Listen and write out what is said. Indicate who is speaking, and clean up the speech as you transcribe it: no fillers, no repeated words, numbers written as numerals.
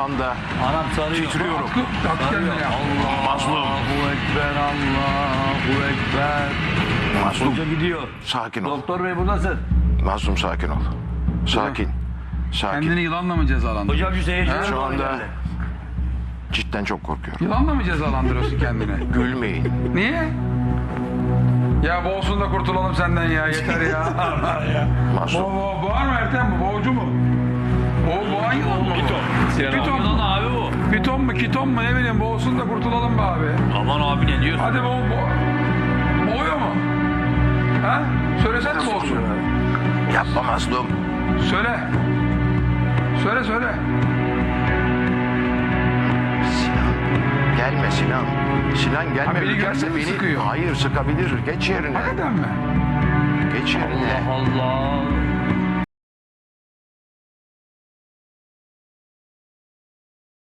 Speaker 1: anda
Speaker 2: Anam sarıyor.
Speaker 1: titriyorum.
Speaker 3: At kendine ya.
Speaker 1: Mazlum.
Speaker 2: Allahu Ekber, Allahu Ekber.
Speaker 1: Mazlum.
Speaker 2: Hoca gidiyor.
Speaker 1: Sakin ol.
Speaker 2: Doktor bey buradasın.
Speaker 1: Mazlum sakin ol. Sakin. Sakin.
Speaker 3: Kendini yılanla mı cezalandırıyorsun?
Speaker 2: Hocam şu seyirciler
Speaker 1: Şu
Speaker 2: doğru
Speaker 1: anda
Speaker 2: geldi.
Speaker 1: cidden çok korkuyorum.
Speaker 3: Yılanla mı cezalandırıyorsun kendini?
Speaker 1: Gülmeyin.
Speaker 3: Niye? Ya boğulsun da kurtulalım senden ya. Yeter ya. Allah ya.
Speaker 1: Mazlum.
Speaker 3: Boğar mı Ertem bu? Boğucu mu? Boğan yılan mı bu? Piton
Speaker 2: Yılan
Speaker 3: mu?
Speaker 2: abi bu.
Speaker 3: Piton mu? Kiton mu? Ne bileyim boğulsun da kurtulalım be abi.
Speaker 2: Aman abi ne diyorsun?
Speaker 3: Hadi boğuyor mu? Ha? Söylesene boğulsun.
Speaker 1: Yapma Mazlum.
Speaker 3: Söyle. Söyle.
Speaker 1: Sinan. Gelme Sinan. Sinan gelme.
Speaker 3: Ha, beni
Speaker 1: Ürkerse
Speaker 3: görse mi
Speaker 1: beni...
Speaker 3: sıkıyor?
Speaker 1: Hayır sıkabilir. Geç yerine.
Speaker 3: Hakikaten mi?
Speaker 1: Geç yerine.
Speaker 2: Allah Allah.